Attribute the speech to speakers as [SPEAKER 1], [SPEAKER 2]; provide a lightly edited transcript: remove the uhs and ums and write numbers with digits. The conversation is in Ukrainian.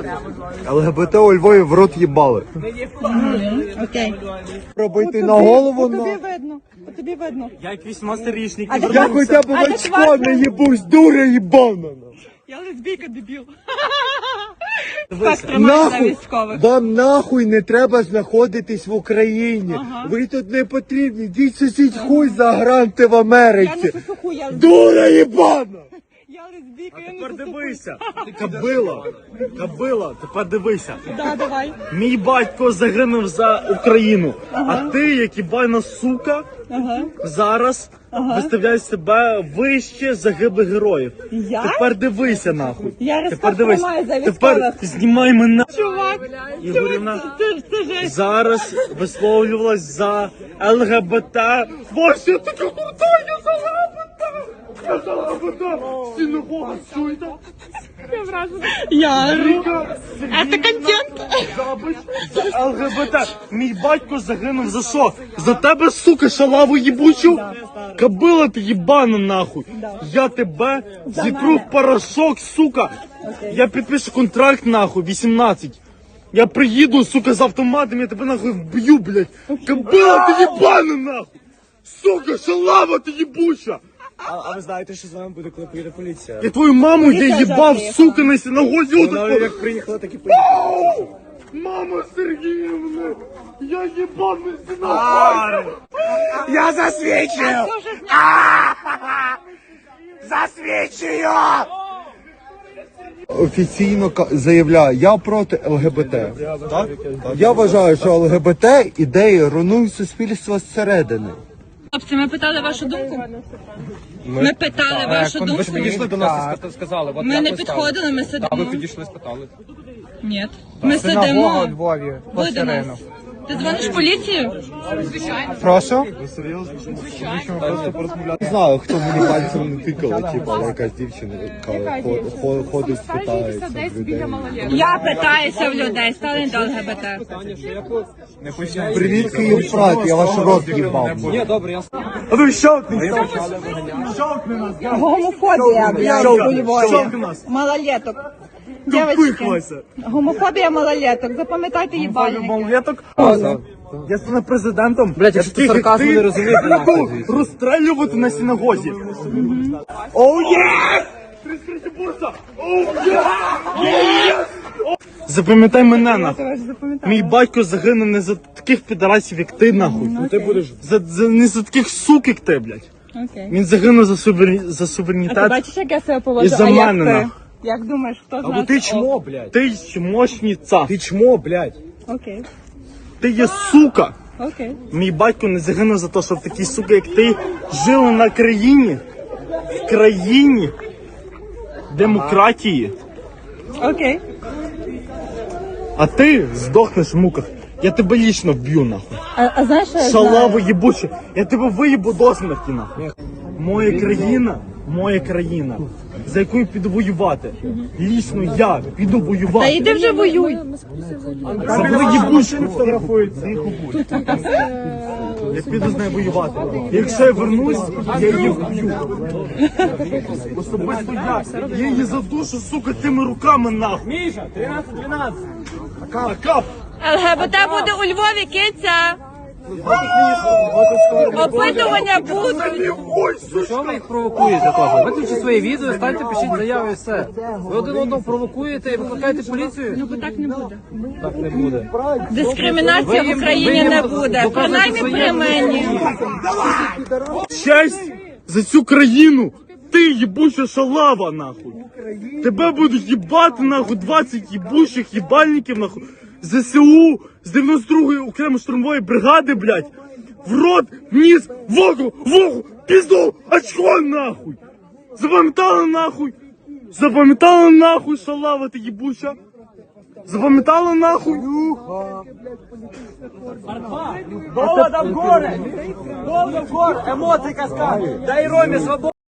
[SPEAKER 1] ЛГБТ у Львові в рот їбали.
[SPEAKER 2] Окей.
[SPEAKER 1] Пробити на голову,
[SPEAKER 2] Тобі видно. Тобі видно.
[SPEAKER 3] Я як 18-річний.
[SPEAKER 1] Я хоча б в очко не їбусь, дура їбана.
[SPEAKER 2] Я лесбійка, дебіл.
[SPEAKER 1] Нахуй, вам нахуй не треба знаходитись в Україні. Ви тут не потрібні, йдіть сусідь хуй загранте в Америці. Дура їбана!
[SPEAKER 2] Я лесбійка, я не
[SPEAKER 3] Тепер дивися. Кабила, тепер дивися.
[SPEAKER 2] Да, давай.
[SPEAKER 3] Мій батько загинув за Україну, а ти, як ібайна сука, зараз виставляєш себе вище загиблих героїв.
[SPEAKER 2] Я?
[SPEAKER 3] Тепер дивися нахуй.
[SPEAKER 2] Я
[SPEAKER 3] Тепер дивись.
[SPEAKER 2] розпостримаю за
[SPEAKER 3] Тепер
[SPEAKER 2] військових.
[SPEAKER 3] знімай мене.
[SPEAKER 2] Чувак,
[SPEAKER 3] Ігорівна
[SPEAKER 2] це жесть.
[SPEAKER 3] зараз висловлювалась за ЛГБТ. Боже, я така крута, я за ЛГБТ! Я за ЛГБТ! Синагога, чуєте?
[SPEAKER 2] Я ору. Это контент.
[SPEAKER 3] За ЛГБТ. Мій батько загинув за що? За тебе, сука, шалаву їбучу? Кабила ти їбана нахуй. Я тебе зітру в порошок, сука. Я підпишу контракт нахуй, 18. Я приїду, сука, з автоматом, я тебе нахуй вб'ю, блядь. Кабила ти їбана нахуй. Сука, шалава ти їбуча.
[SPEAKER 4] А ви знаєте, що з вами буде, коли приїде поліція?
[SPEAKER 3] Я твою маму я їбав, сука, на синагозі.
[SPEAKER 4] Вона як приїхала, так і поїхала.
[SPEAKER 3] Мама Сергіївна, я їбав на синагозі.
[SPEAKER 4] Я засвідчую! Засвідчую!
[SPEAKER 1] Офіційно заявляю, я проти ЛГБТ. Я вважаю, що ЛГБТ ідеї руйнують суспільство зсередини.
[SPEAKER 2] Хлопці, ми питали вашу думку? Ми питали вашу думку?
[SPEAKER 4] Ви ж підійшли до нас і сказали. От
[SPEAKER 2] Ми
[SPEAKER 4] я
[SPEAKER 2] не
[SPEAKER 4] поставив.
[SPEAKER 2] підходили, ми
[SPEAKER 4] А ви
[SPEAKER 2] сидимо.
[SPEAKER 4] підійшли, спитали.
[SPEAKER 2] Ні. Ми
[SPEAKER 4] Синагога
[SPEAKER 2] сидимо.
[SPEAKER 4] у Львові.
[SPEAKER 2] Ви до нас. Ти дзвониш в поліцію?
[SPEAKER 4] Прошу?
[SPEAKER 1] Не знаю, хто мені пальцем не тикав, типу, але якась дівчина яка ходить, питається в людей.
[SPEAKER 2] Я питаюся в людей, стали до ЛГБТ.
[SPEAKER 1] Привіт, Київ, брат, я ваш рот їбав.
[SPEAKER 4] Ні, добре, я
[SPEAKER 3] А ну щелкни.
[SPEAKER 2] Гомофобія, блядь, у
[SPEAKER 3] Щелкни
[SPEAKER 2] Львові.
[SPEAKER 3] нас.
[SPEAKER 2] Малолеток. Дівчатки,
[SPEAKER 3] Тупихлася.
[SPEAKER 2] гомофобія малолеток. Запам'ятайте їбальники.
[SPEAKER 3] Малолеток. Я стану президентом.
[SPEAKER 4] Блядь, якщо ти сарказму не розумієш, то нахуй.
[SPEAKER 3] Розстрелювати на синагозі. Оу є! 33 бурса! Оу є! Запам'ятай мене нахуй. Мій батько загинув не за таких підарасів, як ти нахуй.
[SPEAKER 4] Ти будеш...
[SPEAKER 3] Не за таких сук, як ти, блядь.
[SPEAKER 2] Окей.
[SPEAKER 3] Він загинув за
[SPEAKER 2] А ти
[SPEAKER 3] суверенітет.
[SPEAKER 2] бачиш, як я себе поводжу?
[SPEAKER 3] І за
[SPEAKER 2] А як
[SPEAKER 3] мене,
[SPEAKER 2] ти?
[SPEAKER 3] нахуй.
[SPEAKER 2] Як думаєш, хто з
[SPEAKER 4] Або
[SPEAKER 2] нас?
[SPEAKER 4] ти чмо, блядь.
[SPEAKER 3] Ти чмошниця.
[SPEAKER 4] Ти чмо, блядь.
[SPEAKER 2] Окей.
[SPEAKER 3] Ти є сука.
[SPEAKER 2] Окей.
[SPEAKER 3] Мій батько не загинув за те, щоб такі суки, як ти, жили на країні, в країні демократії,
[SPEAKER 2] Окей.
[SPEAKER 3] а ти здохнеш в муках. Я тебе лічно вб'ю, нахуй.
[SPEAKER 2] А знаєш, що я
[SPEAKER 3] Шалаву
[SPEAKER 2] знаю?
[SPEAKER 3] їбуче. Я тебе виїбу до смерті, нахуй. Моя країна, за яку я піду воювати. Лічно я піду
[SPEAKER 2] Та
[SPEAKER 3] воювати.
[SPEAKER 2] йди вже воюй.
[SPEAKER 3] За їбучку фотографують. Я піду з нею воювати. Якщо я вернусь, я її вб'ю. Особисто я її задушу, сука, тими руками нахуй.
[SPEAKER 4] Міша, 13-12.
[SPEAKER 3] Акап!
[SPEAKER 2] ЛГБТ буде у Львові, киця. Опитування будуть.
[SPEAKER 4] Що ви їх провокуєте теж? Виключіть своє відео, станьте, пишіть заяви і все. Ви один одного провокуєте і викликаєте поліцію?
[SPEAKER 2] Ну, бо так не буде.
[SPEAKER 4] Так не буде.
[SPEAKER 2] Дискримінація в Україні не буде. Принаймні при мені.
[SPEAKER 3] Честь за цю країну! Ти їбуча шалава, нахуй! Тебе будуть їбати, нахуй, 20 їбучих їбальників, нахуй! ЗСУ з 92-ї окремо штурмової бригади, блядь! В рот, вниз, вогу, пізду, очко, нахуй! Запам'ятала, нахуй? Запам'ятала, нахуй, шалава ти їбуча? Запам'ятала, нахуй?
[SPEAKER 4] Довго в горе! Довго в горе! Емоції каскади! Дай Ромі свободу!